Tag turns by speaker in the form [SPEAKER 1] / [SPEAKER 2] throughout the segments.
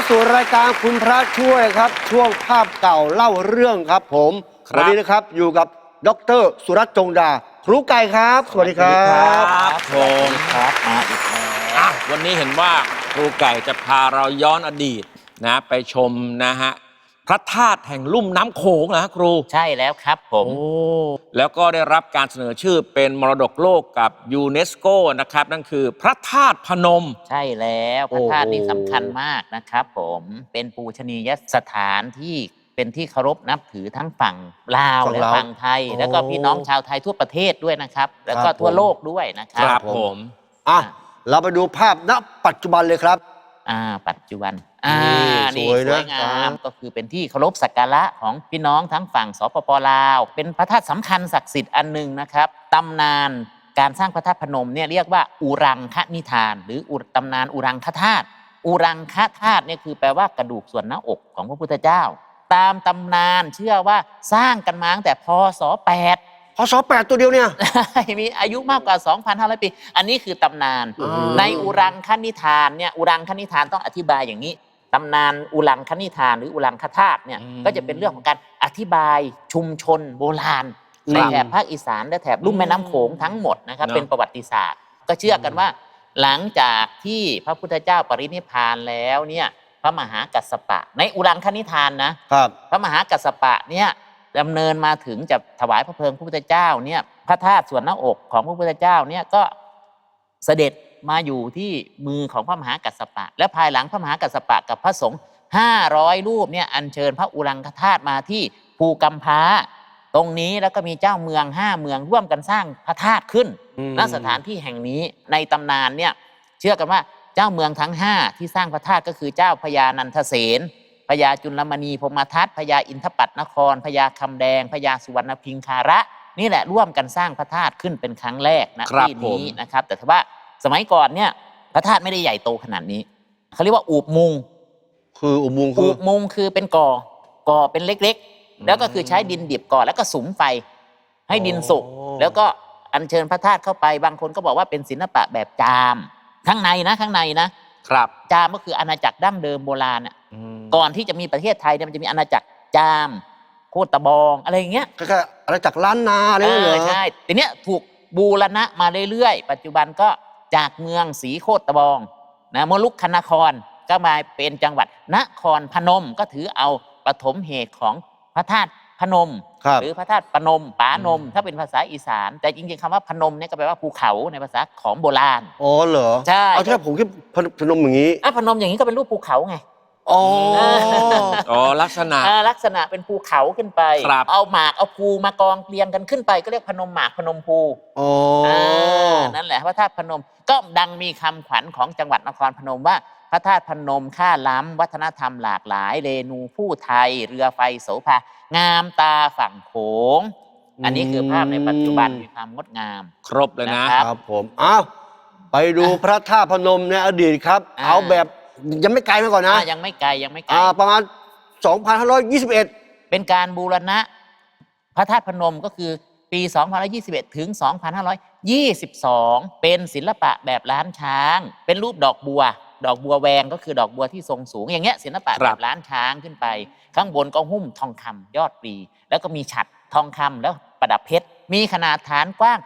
[SPEAKER 1] สู่รายการคุณพระช่วยครับช่วงภาพเก่าเล่าเรื่องครับผมวันนี้นะครับอยู่กับดร.สุรัตน์จงดาครูไก่ครับสวัสดีครับ
[SPEAKER 2] ผมครับมาอีกแล้ววันนี้เห็นว่าครูไก่จะพาเราย้อนอดีตนะไปชมนะฮะพระธาตุแห่งลุ่มน้ำโขงนะครู
[SPEAKER 3] ใช่แล้วครับผม
[SPEAKER 2] แล้วก็ได้รับการเสนอชื่อเป็นมรดกโลกกับยูเนสโกนะครับนั่นคือพระธาตุพนม
[SPEAKER 3] ใช่แล้วพระธาตุนี่สำคัญมากนะครับผมเป็นปูชนียสถานที่เป็นที่เคารพนับถือทั้งฝั่งลาวและฝั่งไทยแล้วก็พี่น้องชาวไทยทั่วประเทศด้วยนะครับแล้วก็ทั่วโลกด้วยนะครับ
[SPEAKER 2] ผม
[SPEAKER 1] เราไปดูภาพณปัจจุบันเลยครับ
[SPEAKER 3] ปัจจุบันนี่สวยงามก็คือเป็นที่เคารพสักการะของพี่น้องทั้งฝั่งสปป.ลาวเป็นพระธาตุสำคัญศักดิ์สิทธิ์อันหนึ่งนะครับตำนานการสร้างพระธาตุพนมเนี่ยเรียกว่าอุรังคนิทานหรือตำนานอุรังคธาตุอุรังคธาตุเนี่ยคือแปลว่ากระดูกส่วนหน้าอกของพระพุทธเจ้าตามตำนานเชื่อว่าสร้างกันมาตั้งแต่พ.ศ. 8
[SPEAKER 1] พ.ศ. 8ตัวเดียวเนี่ย
[SPEAKER 3] มีอายุมากกว่า 2,500 ปีอันนี้คือตำนานในอุรังคนิทานเนี่ยอุรังคนิทานต้องอธิบายอย่างนี้ตำนานอุรังคนิทานหรืออุรังคธาตุเนี่ยก็จะเป็นเรื่องของการอธิบายชุมชนโบราณในแถบภาคอีสานและแถบลุ่มแม่น้ำโขงทั้งหมดนะครับเป็นประวัติศาสตร์ก็เชื่อกันว่าหลังจากที่พระพุทธเจ้าปรินิพพานแล้วเนี่ยพระมหากัสสปะในอุรังคนิทานนะครับพระมหากัสสปะเนี่ยดำเนินมาถึงจะถวายพระเพลิงพระพุทธเจ้าเนี่ยพระธาตุส่วนหน้าอกของพระพุทธเจ้าเนี่ยก็เสด็จมาอยู่ที่มือของพระมหากัสสปะและภายหลังพระมหากัสสปะกับพระสงฆ์500 รูปเนี่ยอัญเชิญพระอุรังคธาตุมาที่ภูกัมพาตรงนี้แล้วก็มีเจ้าเมือง5 เมืองร่วมกันสร้างพระธาตุขึ้นณสถานที่แห่งนี้ในตำนานเนี่ยเชื่อกันว่าเจ้าเมืองทั้ง5ที่สร้างพระธาตุก็คือเจ้าพญานันทเสนพญาจุลมณีพรหมทัตพญาอินทปัตนครพญาคำแดงพญาสุวรรณพิงคาระนี่แหละร่วมกันสร้างพระธาตุขึ้นเป็นครั้งแรกนะที่นี้นะครับแต่ว่าสมัยก่อนเนี่ยพระธาตุไม่ได้ใหญ่โตขนาดนี้เขาเรียกว่าอูบมุง
[SPEAKER 1] คืออูบมุง
[SPEAKER 3] คือเป็นก่อเป็นเล็กๆแล้วก็คือใช้ดินดิบก่อแล้วก็สุมไฟให้ดินสุกแล้วก็อัญเชิญพระธาตุเข้าไปบางคนก็บอกว่าเป็นศิลปะแบบจามข้างในนะครับจามก็คืออาณาจักรดั้งเดิมโบราณก่อนที่จะมีประเทศไทยเนี่ยมันจะมีอาณาจักรจามโคตะบองอะไรอย่างเงี้ย
[SPEAKER 1] ก็อาณาจักรล้านนาอะไรอย่างเงี้ย
[SPEAKER 3] ใช่ทีเนี้ยถูกบูรณะมาเรื่อยๆปัจจุบันก็จากเมืองศรีโคตะบองนะมลุกคนครก็มาเป็นจังหวัดนครพนมก็ถือเอาปฐมเหตุของพระธาตุพนมหรือพระธาตุปนมปานมถ้าเป็นภาษาอีสานแต่จริงๆคำว่าพนมเนี่ยก็แปลว่าภูเขาในภาษาของโบราณ
[SPEAKER 1] อ๋อเหรอ
[SPEAKER 3] ใช่
[SPEAKER 1] เอาแค่ผมคิดพนมอย่างนี้
[SPEAKER 3] พนมอย่างนี้ก็เป็นรูปภูเขาไง
[SPEAKER 2] ลักษ
[SPEAKER 3] ณะเป็นภูเขาขึ้นไปเอาหมากเอาภูมากองเรียงกันขึ้นไปก็เรียกพนมหมากพนมภูนั่นแหละพระธาตุพนมก็ดังมีคำขวัญของจังหวัดนครพนมว่าพระธาตุพนมค่าล้ำวัฒนธรรมหลากหลายเรนูผู้ไทยเรือไฟโสภางามตาฝั่งโขงอันนี้คือภาพในปัจจุบันมีความงดงาม
[SPEAKER 2] ครบเลยนะครับ
[SPEAKER 1] ผมไปดูพระธาตุพนมในอดีตครับเอาแบบยังไม่ไกลมาก่อนนะ
[SPEAKER 3] ยังไม่ไกล
[SPEAKER 1] ประมาณ 2521
[SPEAKER 3] เป็นการบูรณะพระธาตุพนมก็คือปี2521ถึง2522เป็นศิลปะแบบล้านช้างเป็นรูปดอกบัวแวงก็คือดอกบัวที่ทรงสูงอย่างเงี้ยศิลปะแบบล้านช้างขึ้นไปข้างบนก็หุ้มทองคำยอดปรีแล้วก็มีฉัตรทองคำแล้วประดับเพชรมีขนาดฐานกว้าง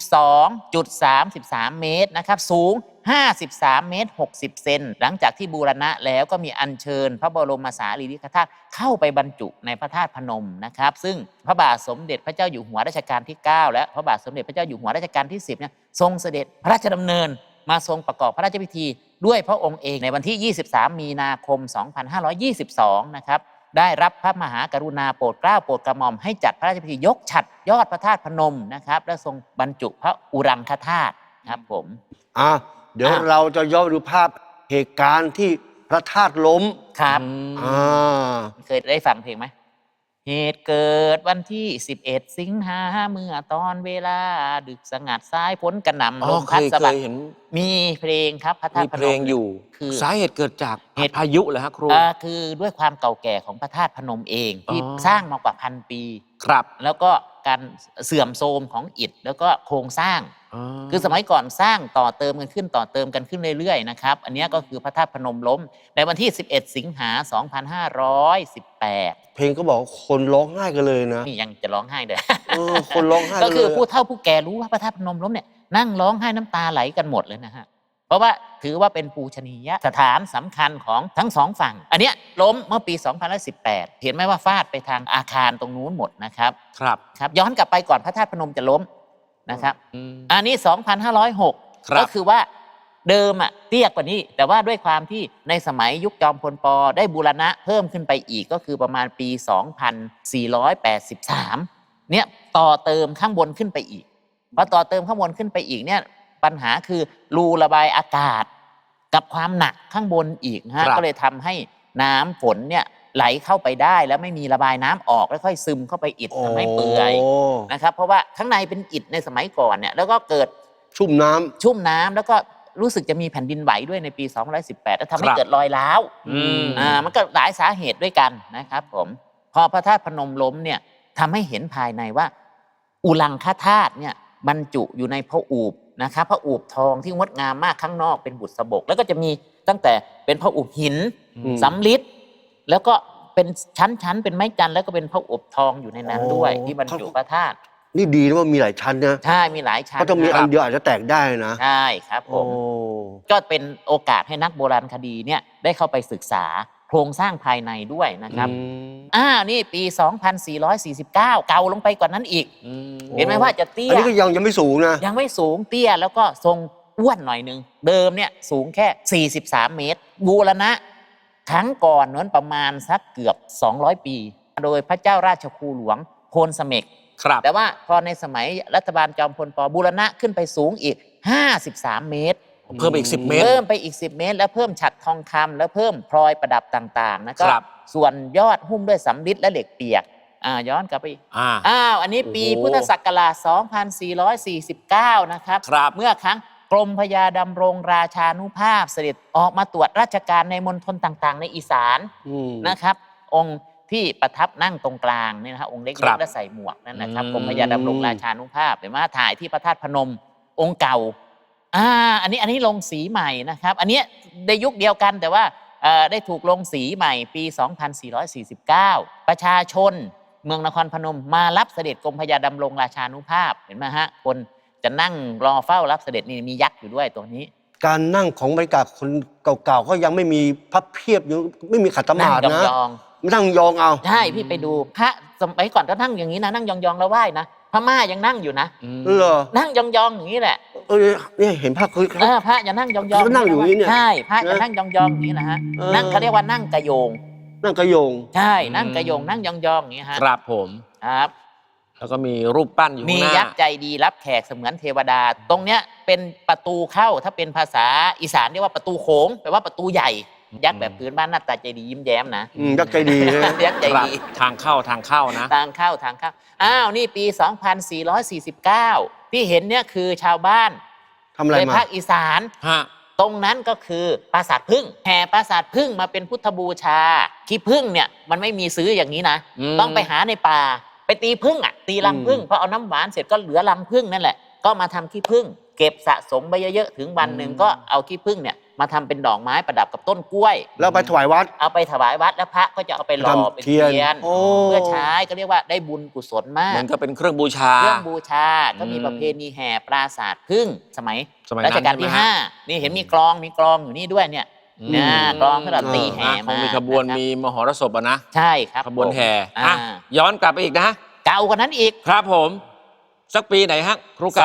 [SPEAKER 3] 12.33 เมตรนะครับสูง53 เมตร 60 เซนหลังจากที่บูรณะแล้วก็มีอัญเชิญพระบรมสารีริกธาตุเข้าไปบรรจุในพระธาตุพนมนะครับซึ่งพระบาทสมเด็จพระเจ้าอยู่หัวรัชกาลที่ 9และพระบาทสมเด็จพระเจ้าอยู่หัวรัชกาลที่ 10เนี่ยทรงเสด็จพระราชดำเนินมาทรงประกอบพระราชพิธีด้วยพระองค์เองในวันที่ 23 มีนาคม 2522 นะครับได้รับพระมหากรุณาโปรดเกล้าโปรดกระหม่อมให้จัดพระราชพิธียกฉัตรยอดพระธาตุพนมนะครับและทรงบรรจุพระอุรังคธาตุครับผม
[SPEAKER 1] เดี๋ยวเราจะย้อนดูภาพเหตุการณ์ที่พระธาตุล้ม
[SPEAKER 3] ครับเคยได้ฟังเพลงไหมเหตุเกิดวันที่11 สิงหาเมื่อตอนเวลาดึกสงัดสายฝนกระหน่ำลมพัดสะบัดมีเพลงครับพระธาตุพนมมีเพ
[SPEAKER 2] ลงอยู่คือสาเหตุเกิดจากเหตุพายุเหรอฮะครู
[SPEAKER 3] คือด้วยความเก่าแก่ของพระธาตุพนมเองที่สร้างมากว่า1,000 ปี
[SPEAKER 2] ครับ
[SPEAKER 3] แล้วก็การเสื่อมโทรมของอิฐแล้วก็โครงสร้าง คือสมัยก่อนสร้างต่อเติมกันขึ้นเรื่อยๆนะครับอันนี้ก็คือพระธาตุพนมล้มในวันที่ 11 สิงหา 2518
[SPEAKER 1] เพลงก็บอกว่าคนร้องไห้กันเลยนะ
[SPEAKER 3] นี่ยังจะร้องไห้เลย
[SPEAKER 1] คนร้องไห้
[SPEAKER 3] ก็คือ
[SPEAKER 1] เลย
[SPEAKER 3] ผู้เฒ่าผู้แก่รู้ว่าพระธาตุพนมล้มเนี่ยนั่งร้องไห้น้ำตาไหลกันหมดเลยนะฮะเพราะว่าถือว่าเป็นปูชนียสถานสำคัญของทั้งสองฝั่งอันเนี้ยล้มเมื่อปี 2018 เห็นไหมว่าฟาดไปทางอาคารตรงนู้นหมดนะครับ
[SPEAKER 2] ครับ
[SPEAKER 3] ครับย้อนกลับไปก่อนพระธาตุพนมจะล้มนะครับอันนี้ 2,506
[SPEAKER 2] ครับ
[SPEAKER 3] ก็คือว่าเดิมอะเตี้ยกว่านี้ แต่ว่าด้วยความที่ในสมัยยุคจอมพลป.ได้บูรณะเพิ่มขึ้นไปอีกก็คือประมาณปี 2483 เนี่ยต่อเติมข้างบนขึ้นไปอีกพอต่อเติมข้างบนขึ้นไปอีกเนี่ยปัญหาคือรูระบายอากาศกับความหนักข้างบนอีกฮะ
[SPEAKER 2] ครับ
[SPEAKER 3] ก็เลยทำให้น้ำฝนเนี่ยไหลเข้าไปได้แล้วไม่มีระบายน้ำออกแล้วค่อยซึมเข้าไปอิฐทำให้เปื่อย นะครับเพราะว่าข้างในเป็นอิฐในสมัยก่อนเนี่ยแล้วก็เกิด
[SPEAKER 1] ชุ่มน้ำ
[SPEAKER 3] ชุ่มน้ำแล้วก็รู้สึกจะมีแผ่นดินไหวด้วยในปี 2018 แล้วทำให้
[SPEAKER 2] ครับ
[SPEAKER 3] เกิดรอยร้าว มันก็หลายสาเหตุด้วยกันนะครับผมพอพระธาตุพนมล้มเนี่ยทำให้เห็นภายในว่าอุลังคธาตุเนี่ยบรรจุอยู่ในพระอูปนะครับพระอูปทองที่งดงามมากข้างนอกเป็นบุษบกแล้วก็จะมีตั้งแต่เป็นพระอูปหิน
[SPEAKER 1] อืม
[SPEAKER 3] สำริดแล้วก็เป็นชั้นๆเป็นไม้จันทร์แล้วก็เป็นพระอูปทองอยู่ในนั้นด้วยที่บรรจุพระธาตุ
[SPEAKER 1] นี่ดีนะว่ามีหลายชั้นนะ
[SPEAKER 3] ใช่มีหลายชั้น
[SPEAKER 1] เพราะต้องมี
[SPEAKER 3] ค
[SPEAKER 1] อั
[SPEAKER 3] รั
[SPEAKER 1] น
[SPEAKER 3] บ
[SPEAKER 1] เดียวอาจจะแตกได้นะ
[SPEAKER 3] ใช่ครับผ
[SPEAKER 1] โอ้
[SPEAKER 3] มก็เป็นโอกาสให้นักโบราณคดีเนี่ยได้เข้าไปศึกษาโครงสร้างภายในด้วยนะครับ นี่ปี 2449 เก่าลงไปกว่านั้นอีก เห็นไหมว่าจะเตี้
[SPEAKER 1] อัน
[SPEAKER 3] ย
[SPEAKER 1] นี้ก็ยังไม่สูงนะ
[SPEAKER 3] ยังไม่สูงเตี้ยแล้วก็ทรงอ้วนหน่อยนึง เดิมเนี่ยสูงแค่ 43 เมตร บูรณะครั้งก่อนนั้นประมาณสักเกือบ 200 ปี โดยพระเจ้าราชครูหลวงโพนเสม็ก
[SPEAKER 2] ครับ
[SPEAKER 3] แต่ว่าพอในสมัยรัฐบาลจอมพลป.บูรณะขึ้นไปสูงอีก 53 เมตร
[SPEAKER 2] เพิ่มอีก 10 เมตร
[SPEAKER 3] เพิ่มไปอีก 10 เมตร แล้วเพิ่มฉัตรทองคำแล้วเพิ่มพลอยประดับต่างๆนะครับ ส่วนยอดหุ้มด้วยสำริดและเหล็กเปียกย้อนกลับไปอีก อันนี้ปี
[SPEAKER 1] โอ้โห
[SPEAKER 3] พุทธศักราช 2449 นะครับ
[SPEAKER 2] ครับ
[SPEAKER 3] เมื่อครั้งกรมพระยาดำรงราชานุภาพเสด็จออกมาตรวจราชการในมณฑลต่างๆ ในอีสาน นะครับ องค์ที่ประทับนั่งตรงกลางนี่นะครับองค์เล็
[SPEAKER 2] ครั
[SPEAKER 3] ก
[SPEAKER 2] บ
[SPEAKER 3] ๆและใส่หมวกนั่นนะครับ
[SPEAKER 2] อืม
[SPEAKER 3] กรมพระยาดำรงราชานุภาพเห็นไหมถ่ายที่พระธาตุพนมองค์เก่าอันนี้ลงสีใหม่นะครับ อันเนี้ยในยุคเดียวกันแต่ว่าได้ถูกลงสีใหม่ปี 2449 ประชาชนเมืองนครพนมมารับเสด็จกรมพระยาดำรงราชานุภาพเห็นไหมฮะคนจะนั่งรอเฝ้ารับเสด็จนี่มียักษ์อยู่ด้วยตัวนี้
[SPEAKER 1] การนั่งของบรรยากาศคนเก่าๆก็ยังไม่มีพับเพียบยังไม่มีขัดส
[SPEAKER 3] นั่
[SPEAKER 1] มาง ธินะ
[SPEAKER 3] ยอง
[SPEAKER 1] ไม่นั่งยองเอา
[SPEAKER 3] ๆใช่พี่ไปดูพระสมัยก่อนก็นั่งอย่างนี้นะนั่งยองๆแล้วไหว้นะพม่ายังนั่งอยู่นะ
[SPEAKER 1] เหรอ
[SPEAKER 3] นั่งยองๆอย่างนี้แหละ
[SPEAKER 1] เนี่ยเห็นภาพคือ
[SPEAKER 3] พระจะนั่งยองๆ
[SPEAKER 1] เขานั่งอยู่อย่างนี้เนี่ย
[SPEAKER 3] ใช่พระจะ
[SPEAKER 1] นะ
[SPEAKER 3] นั่งยองๆอย่างนี้นะฮะ
[SPEAKER 1] เออ
[SPEAKER 3] นั่งเขาเรียกว่านั่งกระโยง
[SPEAKER 1] นั่งกระโยง
[SPEAKER 3] ใช่นั่งกระโยงนั่งยองๆอย่างนี้ฮะ
[SPEAKER 2] ครับผม
[SPEAKER 3] ครับ
[SPEAKER 2] แล้วก็มีรูปปั้นอยู่
[SPEAKER 3] มี
[SPEAKER 2] ข้างหน้า
[SPEAKER 3] ยักษ์ใจดีรับแขกเสมือนเทวดา ตรงเนี้ยเป็นประตูเข้าถ้าเป็นภาษาอีสานเรียกว่าประตูโขงแปลว่าประตูใหญ่ ยักษ์แบบพื้นบ้านหน้าตาใจดียิ้มแย้มนะ
[SPEAKER 1] ยักษ์ใจดีนะ
[SPEAKER 3] ยักษ์ใจ
[SPEAKER 2] ครับ
[SPEAKER 3] ดี
[SPEAKER 2] ทางเข้านะ
[SPEAKER 3] ทางเข้านี่ปี 2449 ที่เห็นเนี่ยคือชาวบ้าน
[SPEAKER 1] ทำอะไร
[SPEAKER 3] ใน
[SPEAKER 1] มา
[SPEAKER 3] ภาคอีสาน
[SPEAKER 2] ฮะ
[SPEAKER 3] ตรงนั้นก็คือปราสาทพึ่งแห่ปราสาทพึ่งมาเป็นพุทธบูชาขี้พึ่งเนี่ยมันไม่มีซื้ออย่างนี้นะ ต้องไปหาในป่าไปตีพึ่งตีรังพึ่งพอเอาน้ำหวานเสร็จก็เหลือรังพึ่งนั่นแหละก็มาทำขี้พึ่งเก็บสะสมไปเยอะๆถึงวันหนึ่งก็เอาขี้พึ่งเนี่ยมาทำเป็นดอกไม้ประดับกับต้นกล้วย
[SPEAKER 1] แล้วไปถวายวัด
[SPEAKER 3] เอาไปถวายวัดแล้วพระก็จะเอาไปหล่อ
[SPEAKER 1] ทำ
[SPEAKER 3] เป็น
[SPEAKER 1] เทียน
[SPEAKER 3] เทียน
[SPEAKER 1] โอ้
[SPEAKER 3] เพื่อใช้ก็เรียกว่าได้บุญกุศลมาก
[SPEAKER 2] มันก็เป็นเครื่องบูชา
[SPEAKER 3] เครื่องบูชาก็มีประเพณีแห่ปราสาทพึ่งสมัย
[SPEAKER 2] สมัย
[SPEAKER 3] รัชกาล
[SPEAKER 2] นั้น
[SPEAKER 3] ที่
[SPEAKER 2] ใช่ไหมฮะ
[SPEAKER 3] 5 นี่เห็นมีกลองอยู่นี่ด้วยเนี่ย กลองที่เราตีแห่
[SPEAKER 2] คง
[SPEAKER 3] มา
[SPEAKER 2] มีขบวน
[SPEAKER 3] นะครับ
[SPEAKER 2] มีมหรสพอะนะ
[SPEAKER 3] ใช่ครับ
[SPEAKER 2] ขบวนแห่
[SPEAKER 3] ผม
[SPEAKER 2] ย้อนกลับไปอีกนะ
[SPEAKER 3] เก่ากว่านั้นอีก
[SPEAKER 2] ครับผม สักปีไหนฮะ ครูไก่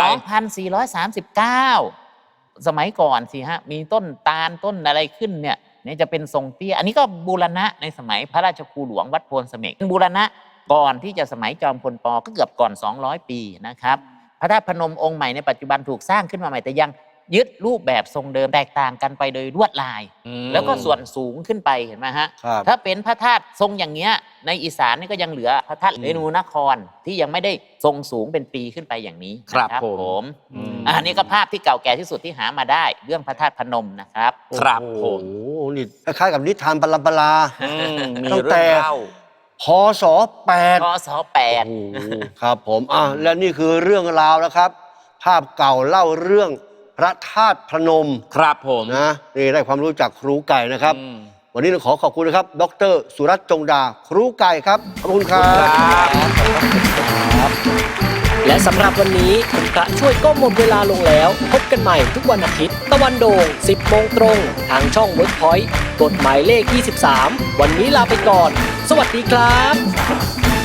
[SPEAKER 3] 2439 สมัยก่อนสิฮะมีต้นตาลต้นอะไรขึ้นเนี่ยจะเป็นทรงเตี้ยอันนี้ก็บูรณะในสมัยพระราชครูหลวงวัดโพนเสม็กบูรณะก่อนที่จะสมัยจอมพลป.ก็เกือบก่อน 200 ปีนะครับพระธาตุพนมองค์ใหม่ในปัจจุบันถูกสร้างขึ้นมาใหม่แต่ยังยึดรูปแบบทรงเดิมแตกต่างกันไปโดยลวดลาย แล้วก็ส่วนสูงขึ้นไปเห็นไหมฮะ
[SPEAKER 1] ครับ
[SPEAKER 3] ถ้าเป็นพระธาตุทรงอย่างเงี้ยในอีสานนี่ก็ยังเหลือพระธาตุเรนูนครที่ยังไม่ได้ทรงสูงเป็นปีขึ้นไปอย่างนี้
[SPEAKER 2] ครับ
[SPEAKER 3] นะ
[SPEAKER 2] ผม
[SPEAKER 3] อันนี้ก็ภาพที่เก่าแก่ที่สุดที่หามาได้เรื่องพระธาตุพนมนะครับ
[SPEAKER 2] ครับ
[SPEAKER 1] โอ้
[SPEAKER 2] ผม
[SPEAKER 1] โหนี่คล้ายๆกับนิทานปลา
[SPEAKER 2] มี
[SPEAKER 1] ตั้ง
[SPEAKER 2] เรื่
[SPEAKER 1] แต่
[SPEAKER 2] องเล่า
[SPEAKER 1] พพศ8
[SPEAKER 3] พศแปด
[SPEAKER 1] โอ้โหครับผมและนี่คือเรื่องราวนะครับ ภาพเก่าเล่าเรื่องพระธาตุพนม
[SPEAKER 2] ครับผม
[SPEAKER 1] นะนี่ได้ความรู้จากครูไก่นะครับ
[SPEAKER 2] อืม
[SPEAKER 1] วันนี้ต้องขอขอบคุณนะครับ ดรสุรัตน์จงดา ครูไก่ครับ ขอบคุณครับ
[SPEAKER 4] และสำหรับวันนี้คุณพระช่วยก็หมดเวลาลงแล้ว พบกันใหม่ทุกวันอาทิตย์ ตะวันโด่ง 10 โมงตรง ทางช่อง WorkPoint กฎหมายเลข 23 วันนี้ลาไปก่อน สวัสดีครับ